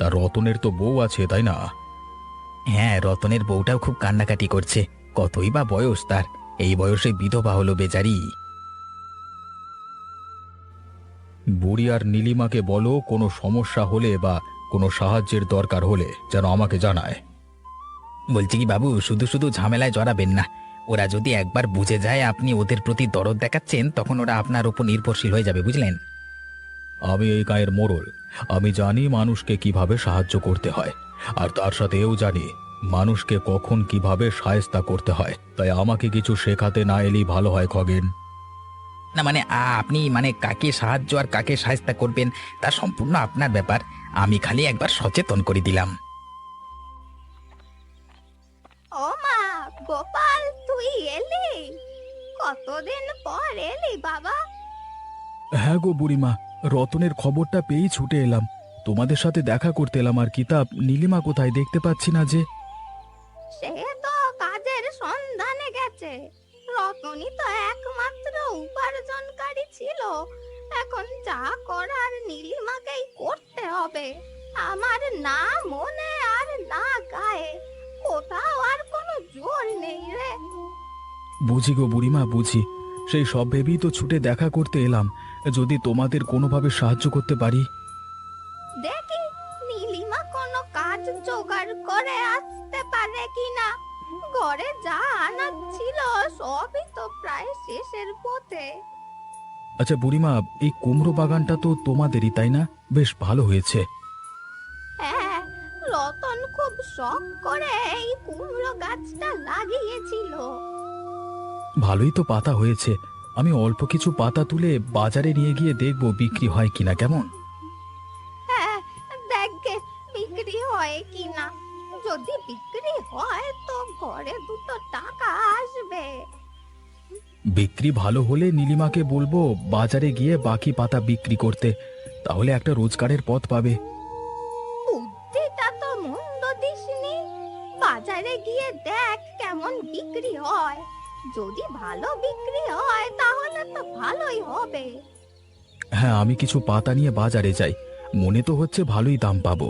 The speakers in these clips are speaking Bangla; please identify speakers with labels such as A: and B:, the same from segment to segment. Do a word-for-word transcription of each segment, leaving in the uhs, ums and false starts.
A: তা রতনের তো বউ আছে, তাই না?
B: হ্যাঁ, রতনের বউটাও খুব কান্নাকাটি করছে। কতই বা বয়স তার, এই বয়সে বিধবা হলো বেচারি।
A: বুড়ি আর নীলিমাকে বলো কোনো সমস্যা হলে বা কোনো সাহায্যের দরকার হলে যেন আমাকে জানায়।
B: বলছি কি বাবু, শুধু শুধু ঝামেলায় জড়াবেন না। ওরা যদি একবার বুঝে যায় আপনি ওদের প্রতি দরদ দেখাচ্ছেন, তখন ওরা আপনার উপর নির্ভরশীল হয়ে যাবে, বুঝলেন?
A: আমি এই গায়ের মোড়ল। আমি জানি মানুষকে কিভাবে সাহায্য করতে হয়, আর তার সাথে এও জানি মানুষকে কখন কিভাবে শায়েস্তা করতে হয়। তাই আমাকে কিছু শেখাতে না এলেই ভালো হয় খগেন।
B: না মানে আ- আপনি মানে কাকে সাহায্য আর কাকে সাহায্য করবেন তা সম্পূর্ণ আপনার ব্যাপার। আমি খালি একবার সচেতন করে দিলাম।
C: ও মা, গোপাল তুই এলি? কতদিন পর এলি বাবা?
A: হ্যাঁ গো বুড়িমা, রতনের খবরটা পেয়েই ছুটে এলাম। তোমাদের সাথে দেখা করতে এলাম আর কিতাব নীলিমা কোথায় দেখতে পাচ্ছি না যে।
C: সে তো কাজের সন্ধানে গেছে। রতনী তো একমাত্র উপার্জনকারী ছিল। এখন যা করার নীলিমাকেই করতে হবে। আমার না মনে আর না গায়ে কোথাও আর কোনো জোর নেই রে।
A: বুঝি গো বুড়িমা, বুঝি। সেই সব ভেবেই তো ছুটে দেখা করতে এলাম, যদি তোমাদের কোনোভাবে সাহায্য করতে পারি।
C: দেখি নীলিমা কোনো কাজ জোগাড় করে আসতে পারে কিনা। ঘরে যা আনাজ ছিল সবই তো প্রায় শেষের পথে।
A: আচ্ছা বুড়িমা, এই কুমড়ো বাগানটা তো তোমাদেরই, তাই না? বেশ ভালো হয়েছে।
C: হ্যাঁ, রতন খুব শখ করে এই কুমড়ো গাছটা লাগিয়েছিল।
A: ভালোই তো পাতা হয়েছে। আমি অল্প কিছু পাতা তুলে বাজারে নিয়ে গিয়ে দেখবো বিক্রি হয় কিনা, কেমন?
C: হ্যাঁ, দেখে বিক্রি হয় কিনা। যদি বিক্রি হয় তো ঘরে দুটো টাকা আসবে।
A: বিক্রি ভালো হলে নীলিমাকে বলবো বাজারে গিয়ে বাকি পাতা বিক্রি করতে, তাহলে একটা রোজগারের পথ পাবে।
C: বুদ্ধিটা তো মন্দ দিসনি। বাজারে গিয়ে দেখ কেমন বিক্রি হয়। যদি ভালো বিক্রি হয় তাহলে তো ভালোই হবে।
A: হ্যাঁ, আমি কিছু পাতা নিয়ে বাজারে যাই, মনে তো হচ্ছে ভালোই দাম পাবো।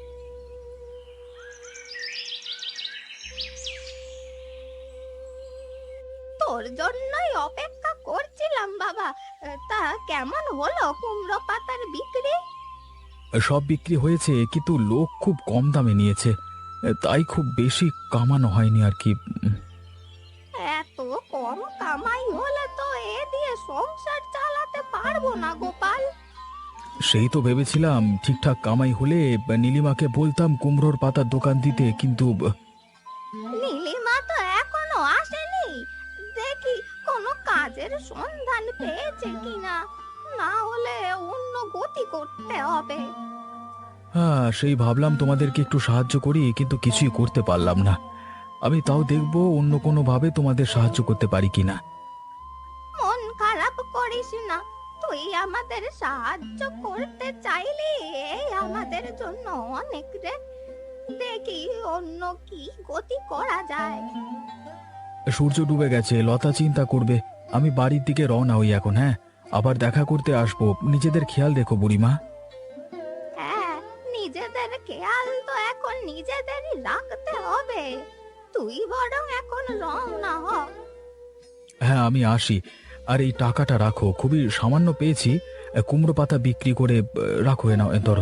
C: তোর জন্যই অপেক্ষা করছিলাম বাবা। তা কেমন হলো কুমড়ো পাতার বিক্রি?
A: সব বিক্রি হয়েছে, কিন্তু লোক খুব কম দামে নিয়েছে, তাই খুব বেশি কামানো হয়নি আর কি। উম,
C: এত কম কামাই হলে তো এ দিয়ে সংসার চালাতে পারবো না গোপাল।
A: সেই তো ভেবেছিলাম ঠিকঠাক কামাই হলে নীলিমাকে বলতাম কুমড়োর পাতার দোকান দিতে, কিন্তু
C: নীলিমা তো এখনো আসেনি। দেখি কোনো কাজের সন্ধান পেয়েছে কিনা। না হলে অন্য গতি করতে হবে।
A: হ্যাঁ, সেই ভাবলাম তোমাদেরকে একটু সাহায্য করি, কিন্তু কিছুই করতে পারলাম না। আমি তাও দেখবো অন্য কোনো ভাবে তোমাদের সাহায্য করতে পারি কিনা।
C: মন খারাপ করিস না। তুই আমাদের সাহায্য করতে চাইলে এই আমাদের জন্য অনেক রে। দেখি অন্য কি গতি করা যায়।
A: সূর্য ডুবে গেছে, লতা চিন্তা করবে। আমি বাড়ির দিকে রওনা হই এখন। হ্যাঁ, আবার দেখা করতে আসবো। নিজেদের খেয়াল রেখো বুড়িমা।
C: হ্যাঁ, নিজেদের খেয়াল তো এখন নিজেদেরই রাখতে হবে। তুই বরং এখন রওনা হ।
A: হ্যাঁ, আমি আসি। আর এই টাকাটা রাখো, খুবই সামান্য পেয়েছি। কুমড়ো পাতা বিক্রি করে আহ, রাখো, এ নাও, এ ধরো।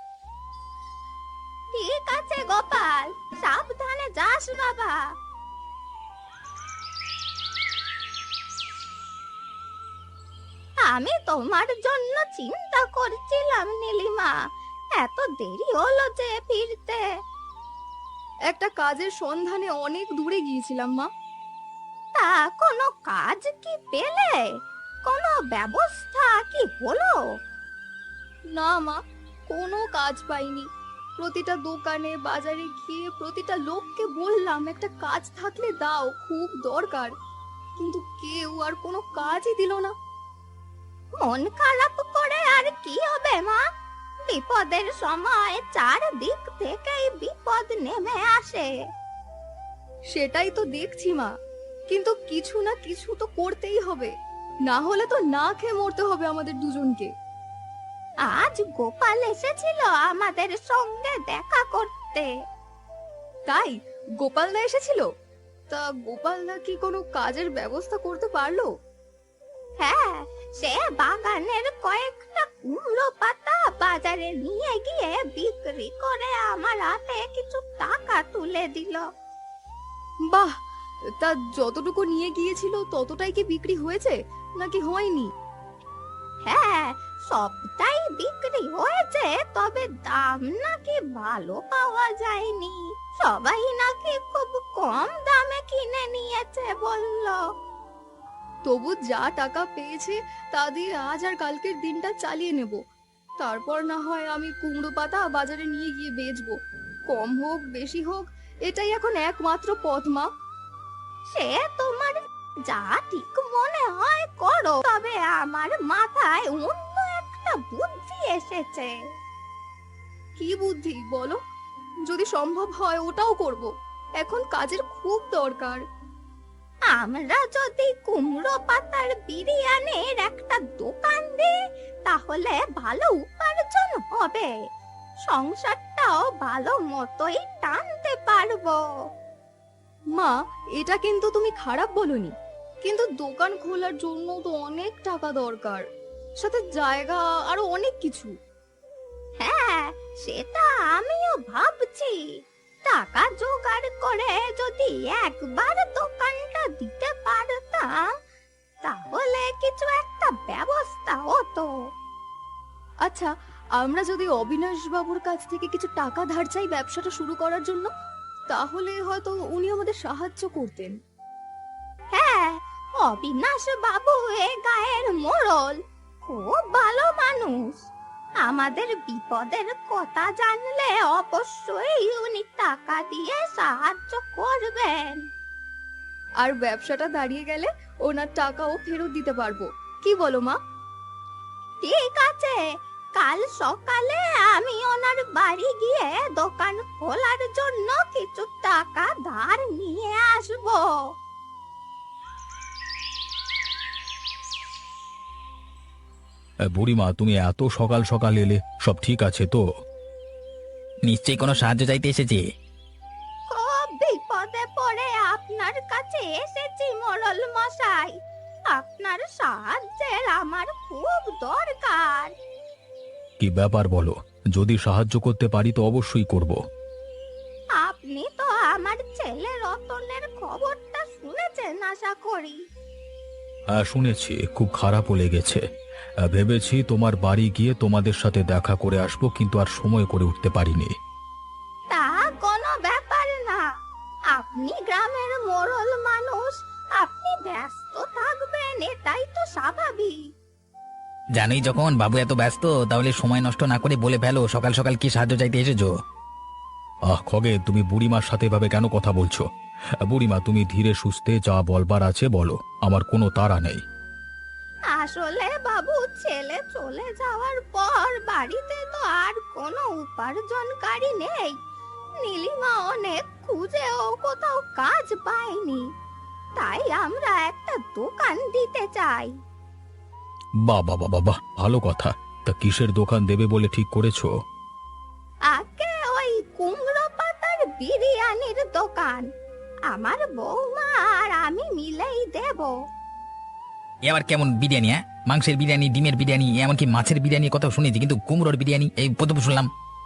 C: ঠিক আছে গোপাল, সাবধানে যাস বাবা। আমি তোমার জন্য চিন্তা করছিলাম নীলিমা। এত দেরি হলো যে ফিরতে।
D: একটা কাজের সন্ধানে অনেক দূরে গিয়েছিলাম মা।
C: তা কোনো কাজ কি পেলে? কোনো ব্যবস্থা কি হলো?
D: না মা, কোনো কাজ পাইনি। প্রতিটা দোকানে বাজারে গিয়ে প্রতিটা লোককে বললাম একটা কাজ থাকলে দাও, খুব দরকার। কিন্তু কেউ আর কোনো কাজই দিল না।
C: মন খারাপ করে আর কি হবে মা? বিপদের সময় চারদিক থেকেই বিপদ নেমে আসে।
D: সেটাই তো দেখছি মা, কিন্তু কিছু না কিছু তো করতেই হবে, না হলে তো না খেয়ে মরতে হবে আমাদের দুজনকে।
C: আজ গোপাল এসেছিল আমাদের সঙ্গে দেখা করতে।
D: তাই গোপাল দা এসেছিল? তা গোপাল দা কি কোনো কাজের ব্যবস্থা করতে পারলো?
C: হ্যাঁ, সে বাগানের কয়েকটা কুমড়ো পাতা বাজারে নিয়ে গিয়ে বিক্রি করে আমার হাতে কিছু টাকা তুলে দিল।
D: বাহ, তা যতটুকু নিয়ে গিয়েছিল ততটাই কি বিক্রি হয়েছে নাকি হয়নি?
C: হ্যাঁ, সবটাই বিক্রি হয়েছে, তবে দাম নাকি ভালো পাওয়া যায়নি। সবাই নাকি খুব কম দামে কিনে নিয়েছে বলল।
D: তবু যা টাকা পেয়েছে তা দিয়ে আজ আর কালকের দিনটা চালিয়ে নেব। তারপর না হয় আমি কুমড়ো পাতা বাজারে নিয়ে গিয়ে বেচবো। কম হোক বেশি হোক, এটাই এখন একমাত্র পথ মা।
C: সে তোমার যা ঠিক মনে হয় করো, তবে আমার মাথায় অন্য একটা বুদ্ধি এসেছে।
D: কি বুদ্ধি বলো? যদি সম্ভব হয় ওটাও করব। এখন কাজের খুব দরকার।
C: আমরা যদি কুমড়ো পাতার বিরিয়ানির একটা দোকান দিই, তাহলে ভালো উপার্জন হবে, সংসারটাও ভালো মতোই টানতে পারবো।
D: মা, এটা কিন্তু তুমি খারাপ বলনি, কিন্তু দোকান খোলার জন্য তো অনেক টাকা দরকার, সাথে জায়গা আরো অনেক কিছু।
C: হ্যাঁ, সেটা আমিও ভাবছি। টাকা জোগাড় করে যদি একবার দোকানটা দিতে পারতাম, তাহলে কিছু একটা ব্যবস্থা হতো।
D: আচ্ছা, আমরা যদি অবিনাশ বাবুর কাছ থেকে কিছু টাকা ধার চাই ব্যবসাটা শুরু করার জন্য, তাহলে হয়তো উনি আমাদের সাহায্য করতেন।
C: হ্যাঁ, অবিনাশ বাবু এ গায়ের মোড়ল, খুব ভালো মানুষ। আমাদের বিপদের কথা জানলে অবশ্যই উনি টাকা দিয়ে সাহায্য করবেন।
D: আর ব্যবসাটা দাঁড়িয়ে গেলে ওনার টাকাও ফেরত দিতে পারবো। কি বলো মা?
C: ঠিক আছে, কাল সকালে আমি ওনার বাড়ি গিয়ে দোকান খোলার জন্য কিছু টাকা ধার নিয়ে আসবো।
A: এ, বুড়িমা, তুমি এত সকাল সকাল এলে, সব ঠিক আছে তো?
B: নিশ্চয়ই কোনো সাহায্য চাইতে এসেছে।
C: খুব বিপদে পড়ে আপনার কাছে এসেছি মোড়ল মশাই। আপনার সাহায্যের আমার খুব দরকার।
A: কি ব্যাপার বলো, যদি সাহায্য করতে পারি তো অবশ্যই করব।
C: আপনি তো আমার ছেলে রতনের খবরটা শুনেছেন আশা করি।
A: হ্যাঁ, শুনেছি, খুব খারাপও লেগেছে। আহ, ভেবেছি তোমার বাড়ি গিয়ে তোমাদের সাথে দেখা করে আসবো, কিন্তু আর সময় করে উঠতে পারিনি।
C: তা কোনো ব্যাপার না, আপনি গ্রামের মোড়ল মানুষ, আপনি ব্যস্ত থাকবেন, এটাই তো স্বাভাবিক।
B: জানোই যখন বাবু এত ব্যস্ত, তাহলে সময় নষ্ট না করে বলে ফেলো সকাল সকাল কি সাহায্য চাইতে এসেছো।
A: আহ খগে, তুমি বুড়িমার সাথে এভাবে কেন কথা বলছো? আহ, বুড়িমা, তুমি ধীরে সুস্থে যা বলবার আছে বলো, আমার কোনো তাড়া নেই।
C: আসলে বাবু, ছেলে চলে যাওয়ার পর বাড়িতে তো আর কোনো উপার্জনকারী নেই। নীলিমা অনেক খুঁজেও কোথাও কাজ পায়নি, তাই আমরা একটা দোকান দিতে চাই।
A: বাহ বাহ বাহ বাহ, ভালো কথা। তা কিসের দোকান দেবে বলে ঠিক করেছো?
C: আগে ওই কুমড়ো পাতার বিরিয়ানির দোকান আমার বৌমা আর আমি মিলেই দেব।
B: এ আবার কেমন বিরিয়ানি? হ্যাঁ, মাংসের বিরিয়ানি, ডিমের বিরিয়ানি, এমনকি মাছের বিরিয়ানির কথা শুনেছি, কিন্তু কুমড়োর বিরিয়ানি এই প্রথম শুনলাম।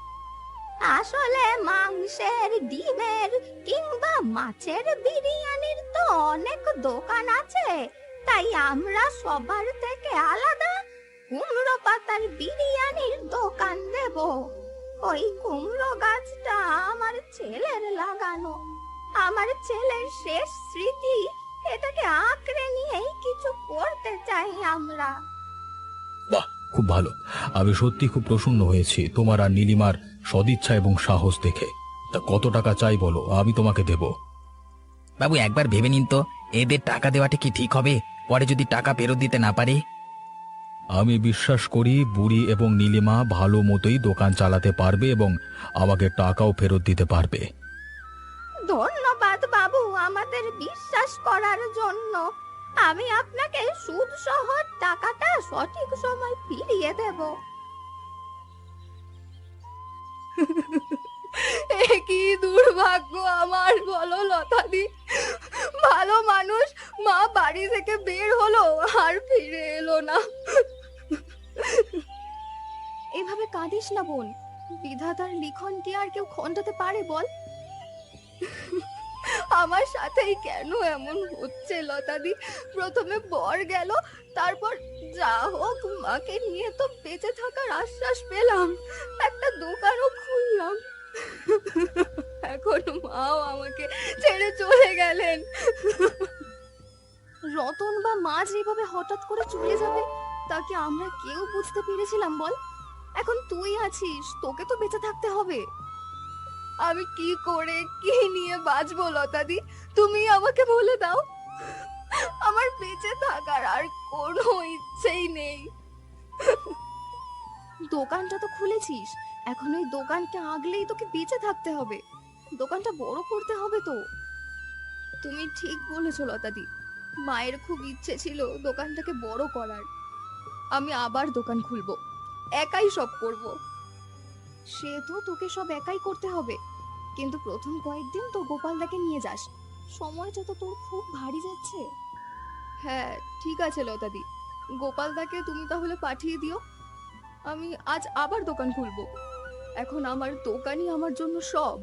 C: আসলে মাংসের, ডিমের কিংবা মাছের বিরিয়ানির তো অনেক দোকান আছে, তাই আমরা সবার থেকে আলাদা কুমড়ো পাতার বিরিয়ানির দোকান দেব। ওই কুমড়ো গাছটা আমার ছেলের লাগানো, আমার ছেলের শেষ স্মৃতি। এটাকে আঁকড়ে নিয়েই কিছু করতে চাই আমরা।
A: বাহ, খুব ভালো। আমি সত্যি খুব প্রসন্ন হয়েছি তোমার আর নীলিমার সদিচ্ছা এবং সাহস দেখে। তা কত টাকা চাই বলো, আমি তোমাকে দেব।
B: বাবু, একবার ভেবে নিন তো, এদের টাকা দেওয়াটা কি ঠিক হবে? পরে যদি টাকা ফেরত দিতে না পারে?
A: আমি বিশ্বাস করি বুড়ি এবং নীলিমা ভালো মতোই দোকান চালাতে পারবে এবং আমাকে টাকাও ফেরত দিতে পারবে।
C: ধন্যবাদ বাবু আমাদের বিশ্বাস করার জন্য। আমি আপনাকে সুদ সহ টাকাটা সঠিক সময় ফিরিয়ে দেব।
D: এ কি দুর্ভাগ্য আমার, বলো লতাদি। ভালো মানুষ, মা বাড়ি থেকে বের হলো আর ফিরে এলো না। এভাবে কাঁদিস না বোন, বিধাতার লিখন কি আর কেউ খণ্ডাতে পারে বল? আমার সাথেই কেন এমন হচ্ছে লতাদি? প্রথমে বর গেল, তারপর যা হোক মাকে নিয়ে তো বেঁচে থাকার আশ্বাস পেলাম, একটা দোকানও খুললাম। এখন মাও আমাকে ছেড়ে চলে গেলেন। রতন বা মা যেভাবে হঠাৎ করে চলে যাবে তা কি আমরা কেউ বুঝতে পেরেছিলাম বল? এখন তুই আছিস, তোকে তো বেঁচে থাকতে হবে। আমি কি করে কি নিয়ে বাঁচবো লতাদি, তুমি আমাকে বলে দাও। আমার বেঁচে থাকার আর কোনো ইচ্ছেই নেই। দোকানটা তো খুলেছিস, এখন ওই দোকানকে আগলেই তোকে বেঁচে থাকতে হবে, দোকানটা বড় করতে হবে তো। তুমি ঠিক বলেছো লতাদি, মায়ের খুব ইচ্ছে ছিল দোকানটাকে বড় করার। আমি আবার দোকান খুলবো, একাই সব করব। সে তো তোকে সব একাই করতে হবে, কিন্তু প্রথম কয়েকদিন তো গোপালদাকে নিয়ে যাস, সময়টা তো তোর খুব ভারী যাচ্ছে। হ্যাঁ ঠিক আছে লতাদি, গোপালদাকে তুমি তাহলে পাঠিয়ে দিও। আমি আজ আবার দোকান খুলবো, এখন আমার দোকানই আমার জন্য সব।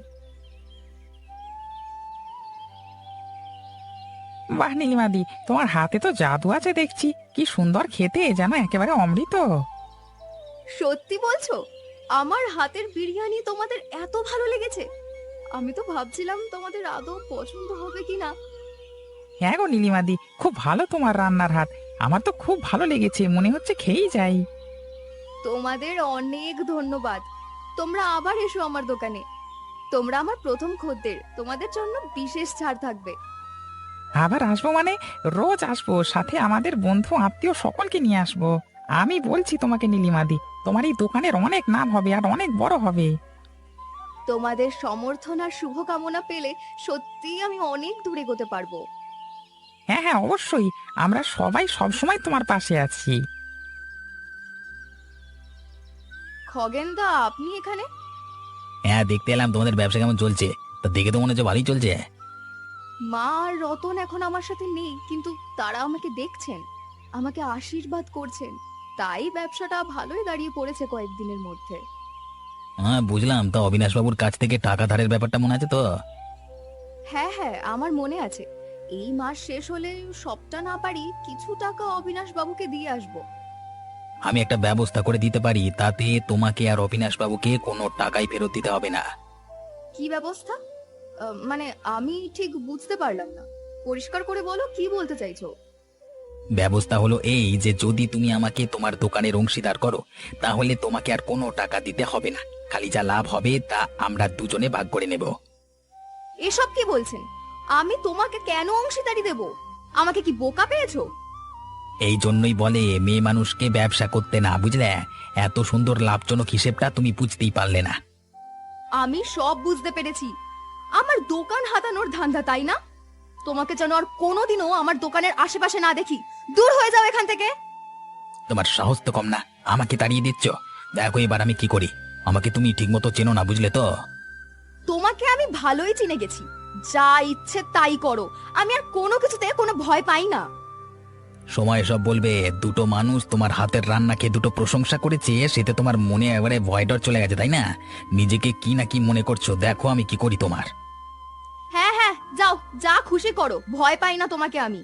E: বাহ নীলিমাদি, তোমার হাতে তো জাদু আছে দেখছি। কি সুন্দর খেতে, যেন একেবারে অমৃত।
D: সত্যি বলছো? আমার হাতের বিরিয়ানি তোমাদের এত ভালো লেগেছে? আমি তো ভাবছিলাম তোমাদের আদৌ পছন্দ হবে কিনা।
E: হ্যাঁ গো নীলিমাদি, খুব ভালো তোমার রান্নার হাত। আমার তো খুব ভালো লেগেছে, মনে হচ্ছে খেয়েই যাই।
D: তোমাদের অনেক ধন্যবাদ। তোমরা আবার এসো আমার দোকানে, তোমরা আমার প্রথম খদ্দের, তোমাদের জন্য বিশেষ ছাড় থাকবে।
E: আবার আসবো মানে? রোজ আসবো, সাথে আমাদের বন্ধু আত্মীয় সকলকে নিয়ে আসবো। আমি বলছি তোমাকে নীলিমাদি, তোমার এই দোকানের অনেক নাম হবে আর অনেক বড় হবে।
D: তোমাদের সমর্থন আর শুভকামনা পেলে সত্যিই আমি অনেক দূরে এগোতে পারবো।
E: হ্যাঁ হ্যাঁ অবশ্যই, আমরা সবাই সবসময় তোমার পাশে আছি।
D: খগেনদা, আপনি এখানে?
B: হ্যাঁ, দেখতে এলাম তোমাদের ব্যবসা কেমন চলছে। তা দেখে তো মনে হচ্ছে ভালোই চলছে।
D: মা আর রতন এখন আমার সাথে নেই, কিন্তু তারা আমাকে দেখছেন, আমাকে আশীর্বাদ করছেন, তাই ব্যবসাটা ভালোই দাঁড়িয়ে পড়েছে কয়েকদিনের মধ্যে।
B: হ্যাঁ বুঝলাম। তা অবিনাশ বাবুর কাছ থেকে টাকা ধারের ব্যাপারটা মনে আছে তো?
D: হ্যাঁ হ্যাঁ আমার মনে আছে, এই মাস শেষ হলে সবটা না পারি কিছু টাকা অবিনাশ বাবুকে দিয়ে আসবো।
B: আমি একটা ব্যবস্থা করে দিতে পারি, তাতে তোমাকে আর অবিনাশ বাবুকে কোনো টাকাই ফেরত দিতে হবে না।
D: কি ব্যবস্থা? আহ, মানে আমি ঠিক বুঝতে পারলাম না, পরিষ্কার করে বলো কি বলতে চাইছো।
B: ব্যবস্থা হলো এই যে, যদি তুমি আমাকে তোমার দোকানের অংশীদার করো, তাহলে তোমাকে আর কোনো টাকা দিতে হবে না। খালি যা লাভ হবে তা আমরা দুজনে ভাগ করে নেব।
D: এসব কি বলছেন? আমি তোমাকে কেন অংশীদারি দেব? আমাকে কি বোকা পেয়েছো?
B: এই জন্যই বলে মেয়ে মানুষকে ব্যবসা করতে না, বুঝলে? এত সুন্দর লাভজনক হিসেবটা তুমি বুঝতেই পারলে না।
D: আমি সব বুঝতে পেরেছি, আমার দোকান হাতানোর ধান্দা, তাই না? তোমাকে যেন আর কোনোদিনও আমার দোকানের আশেপাশে না দেখি, দূর হয়ে যাও এখান থেকে।
B: তোমার সাহস তো কম না, আমাকে তাড়িয়ে দিচ্ছ। দেখো এবার আমি কি করি, আমাকে তুমি ঠিক মতো চেনো না, বুঝলে তো?
D: তোমাকে আমি ভালোই চিনে গেছি, যা ইচ্ছে তাই করো, আমি আর কোনো কিছুতে কোনো ভয় পাই না।
B: সময় সব বলবে। দুটো মানুষ তোমার হাতের রান্না খেয়ে দুটো প্রশংসা করেছে, সেতে তোমার মনে এবারে ভয় ডর চলে গেছে, তাই না? নিজেকে কি না কি মনে করছো, দেখো আমি কি করি তোমার।
D: হ্যাঁ হ্যাঁ যাও, যা খুশি করো, ভয় পাই না তোমাকে আমি।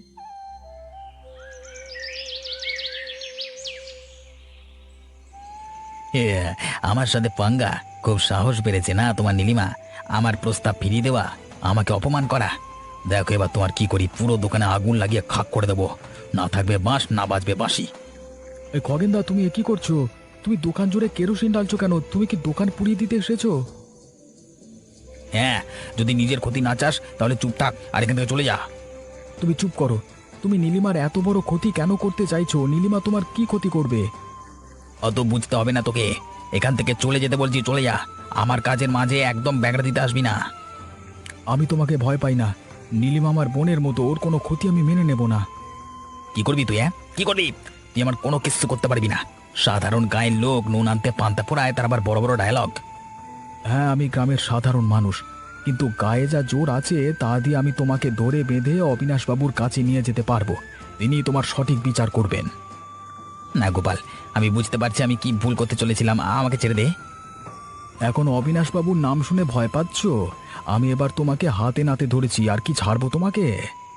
B: এ, আমার সাথে পাঙ্গা, খুব সাহস বেড়েছে না তোমার নীলিমা? আমার প্রস্তাব ফিরিয়ে দেওয়া, আমাকে অপমান করা। দেখো এবার তোমার কি করি, পুরো দোকানে আগুন লাগিয়ে খাক করে দেবো। না থাকবে বাঁশ, না বাজবে বাঁশি।
A: এই খগেনদা, তুমি এ কি করছো? তুমি দোকান জুড়ে কেরোসিন ডালছো কেন? তুমি কি দোকান পুড়িয়ে দিতে এসেছো?
B: হ্যাঁ, যদি নিজের ক্ষতি না চাস তাহলে চুপ থাক আর এখান থেকে চলে যা।
A: তুমি চুপ করো। তুমি নীলিমার এত বড় ক্ষতি কেন করতে চাইছো? নীলিমা তোমার কি ক্ষতি করবে?
B: অত বুঝতে হবে না তোকে, এখান থেকে চলে যেতে বলছি, চলে যা। আমার কাজের মাঝে একদম ব্যাগড়া দিতে আসবি না।
A: আমি তোমাকে ভয় পাই না। নীলিমা আমার বোনের মতো, ওর কোনো ক্ষতি আমি মেনে নেব না।
B: কি করবি তুই? হ্যাঁ কি করবি তুই? আমার কোনো কিছু করতে পারবি না। সাধারণ গায়ের লোক নুন আনতে পান্তা পোড়ায়, তার আবার বড় বড় ডায়লগ।
A: হ্যাঁ, আমি গ্রামের সাধারণ মানুষ, কিন্তু গায়ে যা জোর আছে তা দিয়ে আমি তোমাকে ধরে বেঁধে অবিনাশবাবুর কাছে নিয়ে যেতে পারবো। তিনি তোমার সঠিক বিচার করবেন।
B: না গোপাল, আমি বুঝতে পারছি আমি কি ভুল করতে চলেছিলাম, আমাকে ছেড়ে দে।
A: এখন অবিনাশবাবুর নাম শুনে ভয় পাচ্ছ? আমি এবার তোমাকে হাতে নাতে ধরেছি, আর কি ছাড়বো তোমাকে?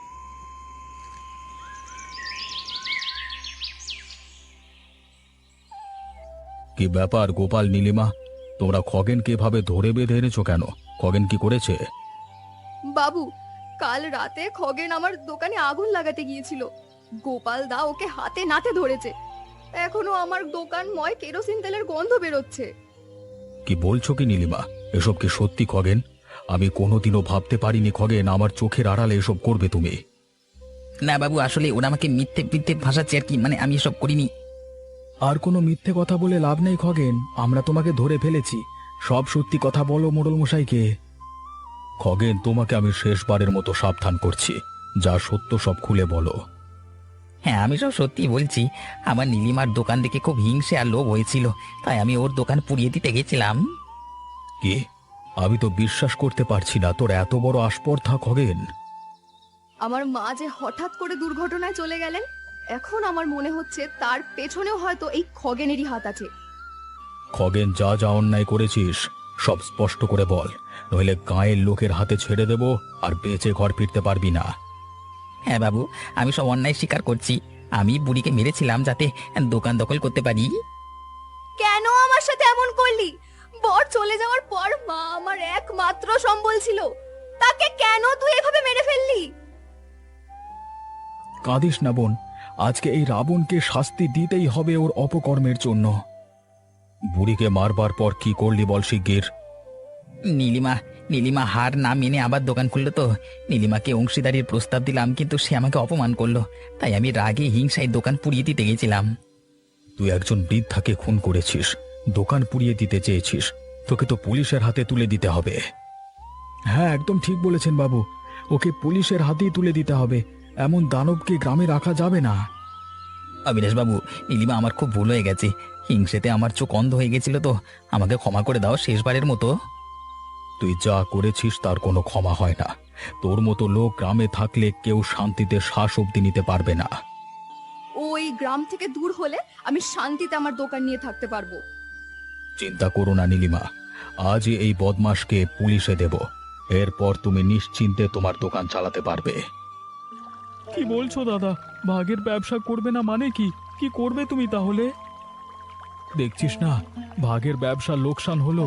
A: কি ব্যাপার গোপাল, নীলিমা, তোমরা খগেনকে এভাবে ধরে বেঁধে এনেছো কেন? খগেন কি করেছে?
D: বাবু, কাল রাতে খগেন আমার দোকানে আগুন লাগাতে গিয়েছিল। গোপাল দা ওকে হাতে নাতে ধরেছে। এখনো আমার দোকানময় কেরোসিন তেলের গন্ধ বেরোচ্ছে।
A: কি বলছো কি নীলিমা? এসব কি সত্যি খগেন? আমি কোনোদিনও ভাবতে পারিনি খগেন আমার চোখের আড়ালে এসব করবে তুমি।
B: না বাবু, আসলে ওরা আমাকে মিথ্যে মিথ্যে ভাসাচ্ছে আর কি, মানে আমি এসব করিনি।
A: আর কোনো মিথ্যে কথা বলে লাভ নেই খগেন, আমরা তোমাকে ধরে ফেলেছি। সব সত্যি কথা বলো মোড়ল মশাইকে। খগেন, তোমাকে আমি শেষবারের মতো সাবধান করছি, যা সত্য সব খুলে বলো।
B: হ্যাঁ, আমি সব সত্যি বলছি। আমার নীলিমার দোকান দেখে খুব হিংসে আর লোভ হয়েছিল, তাই আমি ওর দোকান পুড়িয়ে দিতে গেছিলাম।
A: কি? আমি তো বিশ্বাস করতে পারছি না তোর এত বড় আস্পর্ধা খগেন।
D: আমার মা যে হঠাৎ করে দুর্ঘটনায় চলে গেলেন, এখন আমার মনে হচ্ছে তার পেছনেও হয়তো এই খগেনেরই হাত আছে।
A: খগেন, যা যা অন্যায় করেছিস সব স্পষ্ট করে বল, নইলে গাঁয়ের লোকের হাতে ছেড়ে দেব, আর বেঁচে ঘর ফিরতে পারবি না।
B: হ্যাঁ বাবু, আমি সব অন্যায় স্বীকার করছি। আমি বুড়িকে মেরেছিলাম যাতে দোকান দখল করতে পারি।
D: কেন আমার সাথে এমন করলি? বর চলে যাওয়ার পর মা আমার একমাত্র সম্বল ছিল, তাকে কেন তুই এভাবে মেরে ফেললি?
A: কাঁদিস না বোন, আজকে এই রাবণকে শাস্তি দিতেই হবে ওর অপকর্মের জন্য। বুড়িকে মারবার পর কি করলি বল শিগগির।
B: নীলিমা নীলিমা হার না মেনে আবার দোকান খুললো তো। নীলিমাকে অংশীদারির প্রস্তাব দিলাম, কিন্তু সে আমাকে অপমান করলো, তাই আমি রাগে হিংসায় দোকান পুড়িয়ে দিতে গেছিলাম।
A: তুই একজন বৃদ্ধাকে খুন করেছিস, দোকান পুড়িয়ে দিতে চেয়েছিস, তোকে তো পুলিশের হাতে তুলে দিতে হবে। হ্যাঁ, একদম ঠিক বলেছেন বাবু, ওকে পুলিশের হাতেই তুলে দিতে হবে। এমন দানবকে গ্রামে রাখা যাবে না।
B: অবিনাশ বাবু, নীলিমা আমার খুব ভুল হয়ে গেছে। হিংসেতে আমার চোখ অন্ধ হয়ে গেছিল, তো আমাকে ক্ষমা করে দাও শেষবারের মতো।
A: তুই যা করেছিস তার কোনো ক্ষমা হয় না। তোর মতো লোক গ্রামে থাকলে কেউ শান্তিতে শ্বাস অবধি নিতে পারবে না।
D: ওই গ্রাম থেকে দূর হলে আমি শান্তিতে আমার দোকান নিয়ে থাকতে পারবো।
A: চিন্তা করো না নীলিমা, আজই এই বদমাশকে পুলিশে দেব, এরপর তুমি নিশ্চিন্তে তোমার দোকান চালাতে পারবে। কি বলছো দাদা? ভাগের ব্যবসা করবে না মানে কি? কি করবে তুমি তাহলে? দেখছিস না ভাগের ব্যবসা লোকসান হলো।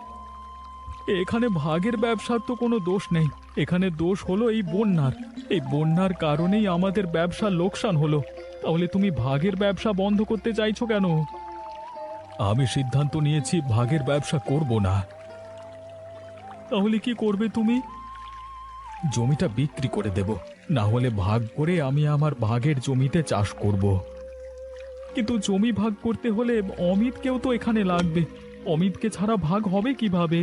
A: এখানে ভাগের ব্যবসার তো কোনো দোষ নেই, এখানে দোষ হলো এই বন্যার। এই বন্যার কারণেই আমাদের ব্যবসা লোকসান হলো। তাহলে তুমি ভাগের ব্যবসা বন্ধ করতে চাইছো কেন? আমি সিদ্ধান্ত নিয়েছি ভাগের ব্যবসা করব না। তাহলে কি করবে তুমি? জমিটা বিক্রি করে দেব, না হলে ভাগ করে আমি আমার ভাগের জমিতে চাষ করব। কিন্তু জমি ভাগ করতে হলে অমিতকেও তো এখানে লাগবে, অমিতকে ছাড়া ভাগ হবে কিভাবে?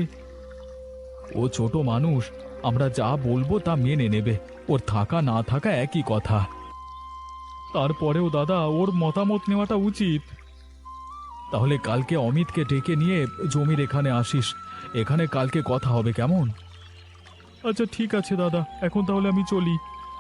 A: ও ছোট মানুষ, আমরা যা বলবো তা মেনে নেবে, ওর থাকা না থাকা একই কথা। তারপরেও দাদা, ওর মতামত নেওয়াটা উচিত। তাহলে কালকে অমিতকে ডেকে নিয়ে জমির এখানে আসিস, এখানে কালকে কথা হবে, কেমন? আচ্ছা ঠিক আছে দাদা, এখন তাহলে আমি চলি।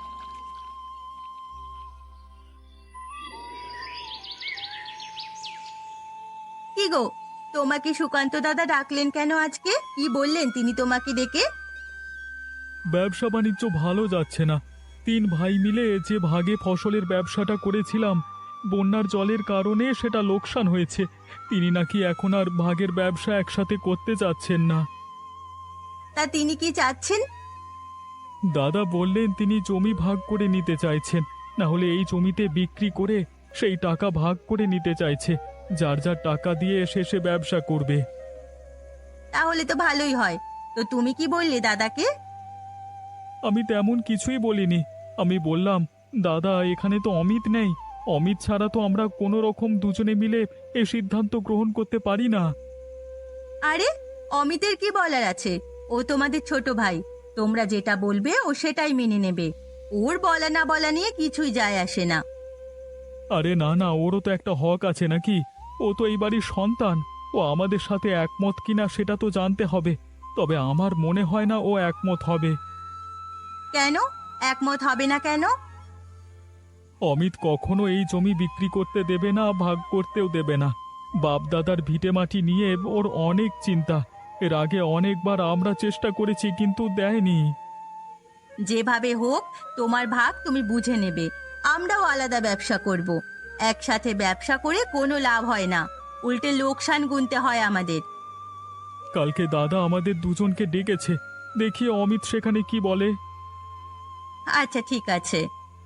F: কি গো, তোমাকে সুকান্ত দাদা ডাকলেন কেন আজকে? কি বললেন তিনি তোমাকে ডেকে?
A: ব্যবসা বাণিজ্য ভালো যাচ্ছে না। তিন ভাই মিলে যে ভাগে ফসলের ব্যবসাটা করেছিলাম, বন্যার জলের কারণে সেটা লোকসান হয়েছে। তিনি নাকি এখন আর ভাগের ব্যবসা একসাথে করতে চাচ্ছেন না।
F: তা তিনি কি চাচ্ছেন?
A: দাদা বললেন তিনি জমি ভাগ করে নিতে চাইছেন, না হলে এই জমিতে বিক্রি করে সেই টাকা ভাগ করে নিতে চাইছে। যার যার টাকা দিয়ে শেষে ব্যবসা করবে।
F: তাহলে তো ভালোই হয়। তো তুমি কি বললে দাদাকে?
A: আমি তেমন কিছুই বলিনি। আমি বললাম, দাদা এখানে তো অমিত নেই, অমিত ছাড়া তো আমরা কোনো রকম দুজনে মিলে এ সিদ্ধান্ত গ্রহণ করতে পারি না।
F: আরে, অমিতের কি বলার আছে? ও তোমাদের ছোট ভাই, তোমরা যেটা বলবে ও সেটাই মেনে নেবে। ওর বলা না বলা নিয়ে কিছুই যায় আসে না।
A: আরে না না, ওরও তো একটা হক আছে নাকি? ও তো এই বাড়ির সন্তান, ও ও আমাদের সাথে একমত কিনা সেটা তো জানতে হবে, তবে আমার মনে হয় না ও একমত হবে।
F: কেন একমত হবে না কেন?
A: অমিত কখনো এই জমি বিক্রি করতে দেবে না, ভাগ করতেও দেবে না। বাপ দাদার ভিটে মাটি নিয়ে ওর অনেক চিন্তা। এর আগে অনেকবার আমরা চেষ্টা করেছি কিন্তু দেয়নি।
F: যেভাবে হোক তোমার ভাগ তুমি বুঝে নেবে। আমরাও আলাদা ব্যবসা করব। একসাথে ব্যবসা করে কোনো লাভ হয় না, উল্টে লোকসান গুনতে হয় আমাদের।
A: কালকে দাদা আমাদের দুজনকে ডেকেছে, দেখি অমিত সেখানে কি বলে।
F: আচ্ছা ঠিক আছে।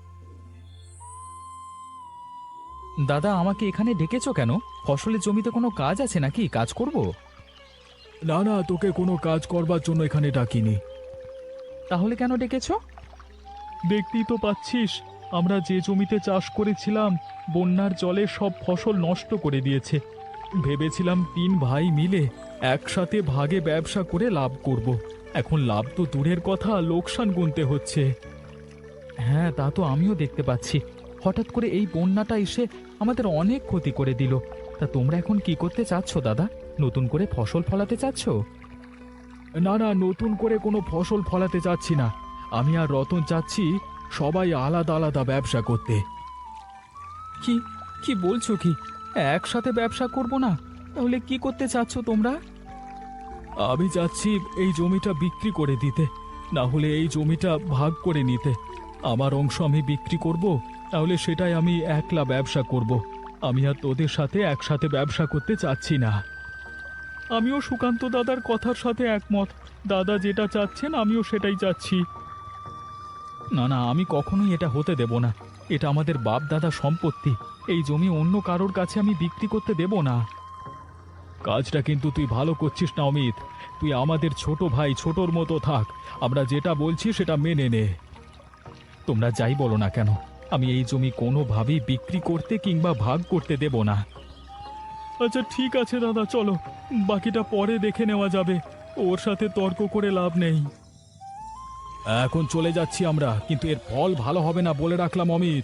B: দাদা, আমাকে এখানে ডেকেছো কেন? ফসলের জমিতে কোনো কাজ আছে নাকি? কাজ করব?
A: না না, তোকে কোনো কাজ করবার জন্য এখানে ডাকিনি।
B: তাহলে কেন ডেকেছো?
A: দেখতেই তো পাচ্ছিস, আমরা যে জমিতে চাষ করেছিলাম বন্যার জলে সব ফসল নষ্ট করে দিয়েছে। ভেবেছিলাম তিন ভাই মিলে একসাথে ভাগে ব্যবসা করে লাভ করব। এখন লাভ তো দূরের কথা, লোকসান গুনতে হচ্ছে।
B: হ্যাঁ, তা তো আমিও দেখতে পাচ্ছি। হঠাৎ করে এই বন্যাটা এসে আমাদের অনেক ক্ষতি করে দিল। তা তোমরা এখন কি করতে চাচ্ছ দাদা? নতুন করে ফসল ফলাতে চাচ্ছ?
A: না না, নতুন করে কোনো ফসল ফলাতে চাচ্ছি না। আমি আর রতন চাচ্ছি সবাই আলাদা আলাদা ব্যবসা করতে।
B: কি কি বলছো কি? একসাথে ব্যবসা করব না? তাহলে কি করতে চাচ্ছ তোমরা?
A: আমি চাচ্ছি এই জমিটা বিক্রি করে দিতে, না হলে এই জমিটা ভাগ করে নিতে। আমার অংশ আমি বিক্রি করব, তাহলে সেটাই আমি একলা ব্যবসা করব। আমি আর তোদের সাথে একসাথে ব্যবসা করতে চাচ্ছি না। আমিও সুকান্ত দাদার কথার সাথে একমত। দাদা যেটা চাচ্ছেন আমিও সেটাই চাচ্ছি।
B: না না, আমি কখনোই এটা হতে দেব না। এটা আমাদের বাপ দাদা সম্পত্তি। এই জমি অন্য কারোর কাছে আমি বিক্রি করতে দেব না।
A: কাজটা কিন্তু তুই ভালো করছিস না অমিত। তুই আমাদের ছোট ভাই, ছোটর মতো থাক। আমরা যেটা বলছি সেটা মেনে নে।
B: তোমরা যাই বলো না কেন, আমি এই জমি কোনোভাবেই বিক্রি করতে কিংবা ভাগ করতে দেব না।
A: আচ্ছা ঠিক আছে দাদা, চলো, বাকিটা পরে দেখে নেওয়া যাবে। ওর সাথে তর্ক করে লাভ নেই। এখন চলে যাচ্ছি আমরা, কিন্তু এর ফল ভালো হবে না বলে রাখলাম অমিত।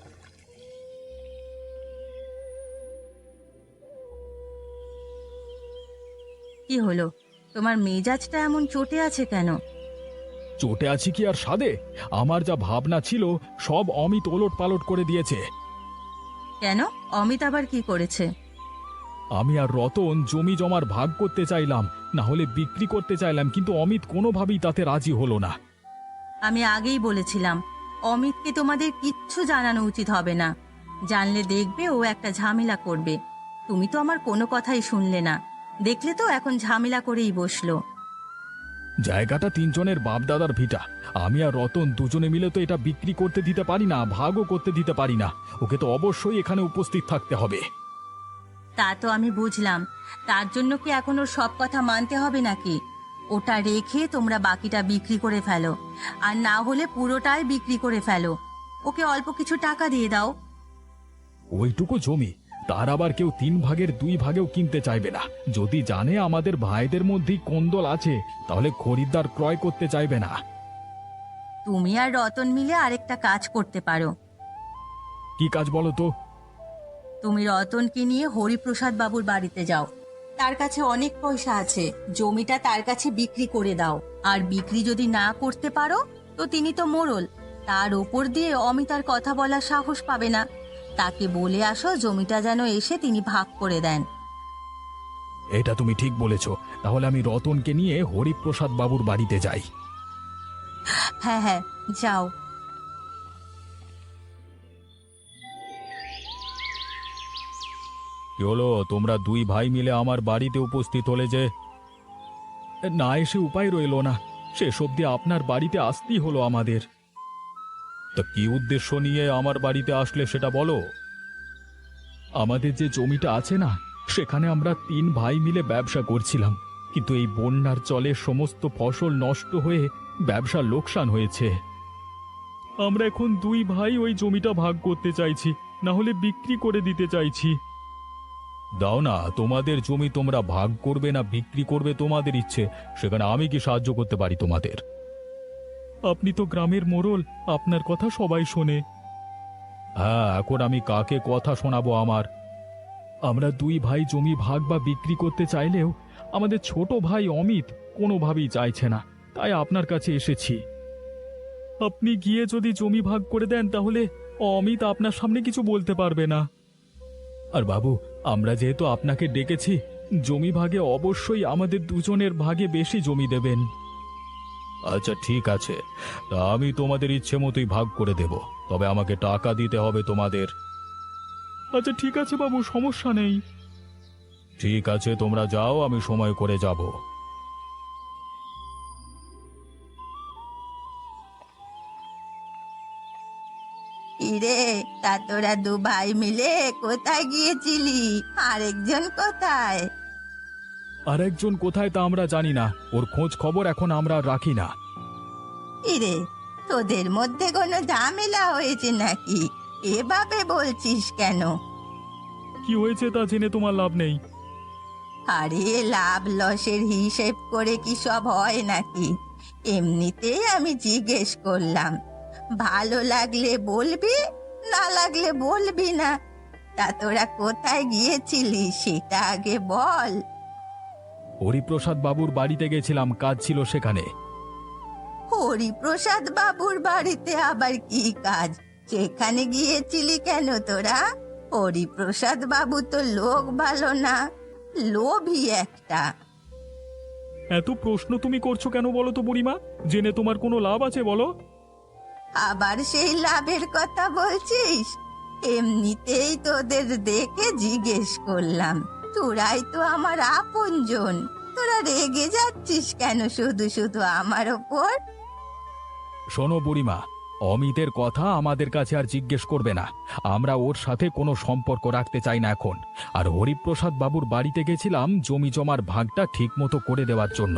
F: কি হলো, তোমার মেজাজটা এমন চটে আছে কেন?
A: চটে আছি কি আর সাদে? আমার যা ভাবনা ছিল সব অমিত ওলট পালট করে দিয়েছে।
F: কেন, অমিত আবার কি করেছে?
A: আমি আর রতন জমি জমার ভাগ করতে চাইলাম, না হলে বিক্রি করতে চাইলাম, কিন্তু অমিত কোনোভাবেই তাতে রাজি হলো না।
F: আমি আগেই বলেছিলাম অমিতকে তোমাদের কিচ্ছু জানানো উচিত হবে না। জানলে দেখবে ও একটা ঝামেলা করবে। তুমি তো আমার কোনো কথাই শুনলে না, দেখলে তো এখন ঝামেলা করেই বসলো।
A: জায়গাটা তিনজনের বাপদাদার ভিটা। আমি আর রতন দুজনে মিলে তো এটা বিক্রি করতে দিতে পারি না, ভাগও করতে দিতে পারি না। ওকে তো অবশ্যই এখানে উপস্থিত থাকতে হবে।
F: তা তো আমি বুঝলাম, তার জন্য কি এখন ওর সব কথা মানতে হবে নাকি? ওটা রেখে তোমরা বাকিটা বিক্রি করে ফেলো, আর না হলে পুরোটাই বিক্রি করে ফেলো। ওকে অল্প কিছু টাকা দিয়ে দাও।
A: ওইটুকু জমি তার আবার কেউ তিন ভাগের দুই ভাগেও কিনতে চাইবে না। যদি জানে আমাদের ভাইদের মধ্যেই কোন্দল আছে, তাহলে খরিদ্দার ক্রয় করতে চাইবে না।
F: তুমি আর রতন মিলে আরেকটা কাজ করতে পারো।
A: কি কাজ বলো তো?
F: তুমি রতনকে নিয়ে হরিপ্রসাদ বাবুর বাড়িতে যাও। তার কাছে অনেক পয়সা আছে, জমিটা তার কাছে বিক্রি করে দাও। আর বিক্রি যদি না করতে পারো তো তিনি তো মোড়ল, তার ওপর দিয়ে অমিতার কথা বলার সাহস পাবে না। তাকে বলে আসো জমিটা যেন এসে তিনি ভাগ করে দেন।
A: এটা তুমি ঠিক বলেছ। তাহলে আমি রতনকে নিয়ে হরিপ্রসাদ বাবুর বাড়িতে যাই।
F: হ্যাঁ হ্যাঁ, যাও।
A: কি হলো, তোমরা দুই ভাই মিলে আমার বাড়িতে উপস্থিত হলে যে? না এসে উপায় রইল না, শেষ অবধি আপনার বাড়িতে আসতেই হলো আমাদের। তা কি উদ্দেশ্য নিয়ে আমার বাড়িতে আসলে সেটা বলো। আমাদের যে জমিটা আছে না, সেখানে আমরা তিন ভাই মিলে ব্যবসা করছিলাম, কিন্তু এই বন্যার জলে সমস্ত ফসল নষ্ট হয়ে ব্যবসা লোকসান হয়েছে। আমরা এখন দুই ভাই ওই জমিটা ভাগ করতে চাইছি, না হলে বিক্রি করে দিতে চাইছি। দাও না, তোমাদের জমি তোমরা ভাগ করবে না বিক্রি করবে তোমাদের ইচ্ছে, সেখানে আমি কি সাহায্য করতে পারি তোমাদের? আপনি তো গ্রামের মোড়ল, আপনার কথা সবাই শোনে। হ্যাঁ, এখন আমি কাকে কথা শোনাবো আমার? আমরা দুই ভাই জমি ভাগ বা বিক্রি করতে চাইলেও আমাদের ছোট ভাই অমিত কোনোভাবেই চাইছে না, তাই আপনার কাছে এসেছি। আপনি গিয়ে যদি জমি ভাগ করে দেন তাহলে অমিত আপনার সামনে কিছু বলতে পারবে না। আর বাবু, আমরা যেহেতু আপনাকে ডেকেছি, জমি ভাগে অবশ্যই আমাদের দুজনের ভাগে বেশি জমি দেবেন। আচ্ছা ঠিক আছে, তা আমি তোমাদের ইচ্ছে মতোই ভাগ করে দেব, তবে আমাকে টাকা দিতে হবে তোমাদের। আচ্ছা ঠিক আছে বাবু, সমস্যা নেই। ঠিক আছে, তোমরা যাও, আমি সময় করে যাব।
F: ইরে, তা তোরা দু ভাই মিলে কোথায় গিয়েছিলি? আরেকজন কোথায়?
A: আর একজন কোথায় তা আমরা জানি না, ওর খোঁজ খবর এখন আমরা আর রাখি না।
F: ইরে, তোদের মধ্যে কোনো ঝামেলা হয়েছে নাকি? এভাবে বলছিস কেন?
A: কি হয়েছে তা জেনে তোমার লাভ নেই।
F: আরে, লাভ লসের হিসেব করে কি সব হয় নাকি? এমনিতেই আমি জিজ্ঞেস করলাম। ভালো লাগলে বলবি, না লাগলে বলবি না। তা তোরা কোথায় গিয়েছিলি সেটা আগে বল।
A: হরিপ্রসাদ বাবুর বাড়িতে গেছিলাম, কাজ ছিল সেখানে।
F: হরিপ্রসাদ বাবুর বাড়িতে আবার কি কাজ? সেখানে গিয়েছিলি কেন তোরা? হরিপ্রসাদ বাবু তো লোক ভালো না, লোভী একটা।
A: এত প্রশ্ন তুমি করছো কেন বলো তো বুড়িমা? জেনে তোমার কোনো লাভ আছে বলো?
F: আবার সেই লাভের কথা বলছিস? এমনিতেই তোদের দেখে জিজ্ঞেস করলাম। তোরাই তো আমার আপনজন, তোরা রেগে যাচ্ছিস কেন শুধু শুধু আমার ওপর?
A: শোনো বুড়িমা, অমিতের কথা আমাদের কাছে আর জিজ্ঞেস করবে না। আমরা ওর সাথে কোনো সম্পর্ক রাখতে চাই না এখন। আর হরিপ্রসাদ বাবুর বাড়িতে গেছিলাম জমি জমার ভাগটা ঠিক মতো করে দেওয়ার জন্য।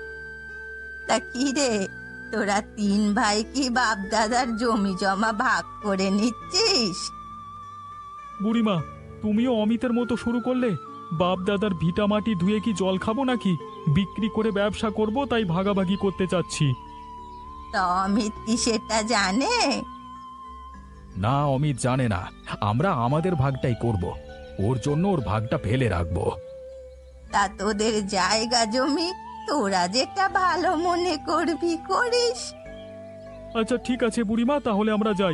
F: তা কি রে, তোরা তিন ভাই কি বাপ দাদার জমি জমা ভাগ করে নিচ্ছিস?
A: বুড়িমা, তুমিও অমিতের মতো শুরু করলে? বাপ দাদার ভিটা মাটি ধুয়ে কি জল খাবো নাকি? বিক্রি করে ব্যবসা করব, তাই ভাগাভাগি করতে চাচ্ছি।
F: তা অমিত কি সেটা জানে?
A: না, অমিত জানে না। আমরা আমাদের ভাগটাই করব, ওর জন্য ওর ভাগটা ফেলে রাখবো।
F: তা তোদের জায়গা জমি তোরা যেটা ভালো মনে করবি করিস।
A: আচ্ছা ঠিক আছে বুড়িমা, তাহলে আমরা যাই।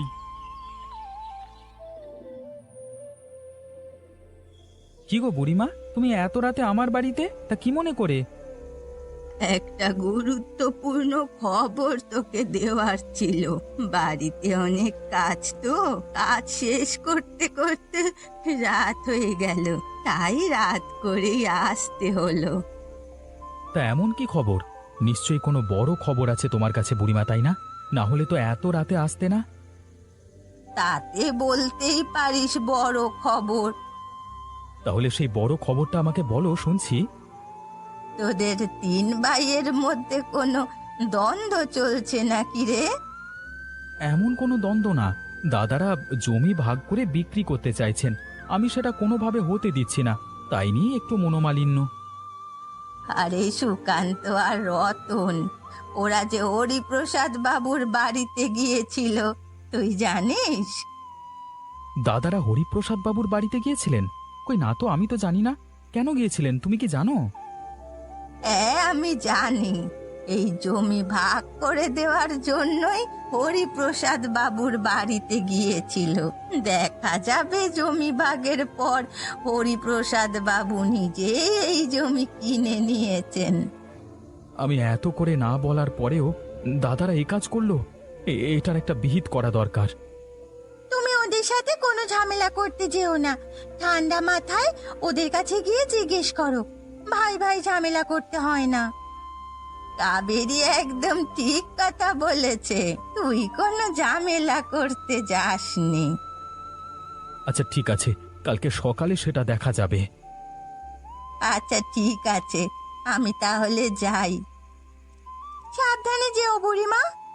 E: কি গো বুড়িমা, তুমি এত রাতে আমার বাড়িতে? তা কি মনে করে?
F: একটা গুরুত্বপূর্ণ খবর তোকে দেওয়ার ছিল। বাড়িতে অনেক কাজ, তো কাজ শেষ করতে করতে রাত হয়ে গেল, তাই রাত করেই আসতে হলো।
A: তা এমন কি খবর? নিশ্চয়ই কোনো বড় খবর আছে তোমার কাছে বুড়িমা, তাই না? না হলে তো এত রাতে আসতে না।
F: তাতে বলতেই পারিস বড় খবর।
A: তাহলে সেই বড় খবরটা আমাকে বলো, শুনছি।
F: তোদের তিন ভাইয়ের মধ্যে কোনো দ্বন্দ্ব চলছে নাকি রে?
A: এমন কোনো দ্বন্দ্ব না, দাদারা জমি ভাগ করে বিক্রি করতে চাইছেন, আমি সেটা কোনোভাবে হতে দিচ্ছি না, তাই নিয়ে একটু মনোমালিন্য।
F: আরে সুকান্ত আর রতন, ওরা যে হরিপ্রসাদ বাবুর বাড়িতে গিয়েছিল, তুই জানিস?
A: দাদারা হরিপ্রসাদ বাবুর বাড়িতে গিয়েছিলেন? কই না তো, আমি তো জানি না। কেন গিয়েছিলেন তুমি কি জানো?
F: হ্যাঁ, আমি জানি। এই জমি ভাগ করে দেওয়ার জন্যই হরিপ্রসাদ বাবুর বাড়িতে গিয়েছিল। দেখা যাবে জমি ভাগের পর হরিপ্রসাদ বাবু নিজে এই জমি কিনে নিয়েছেন।
A: আমি এত করে না বলার পরেও দাদারা এই কাজ করলো? এ- এটার একটা বিহিত করা দরকার।
F: তুমি ওদের সাথে কোনো ঝামেলা করতে যেও না। ঠান্ডা মাথায় ওদের কাছে গিয়ে জিজ্ঞেস করো। ভাই ভাই ঝামেলা করতে হয় না। কাবেরী একদম ঠিক কথা বলেছে, তুই কোনো ঝামেলা করতে যাসনি।
A: আচ্ছা ঠিক আছে, কালকে সকালে সেটা দেখা যাবে।
F: আচ্ছা ঠিক আছে, আমি তাহলে যাই। সাবধানে যেও বুড়িমা।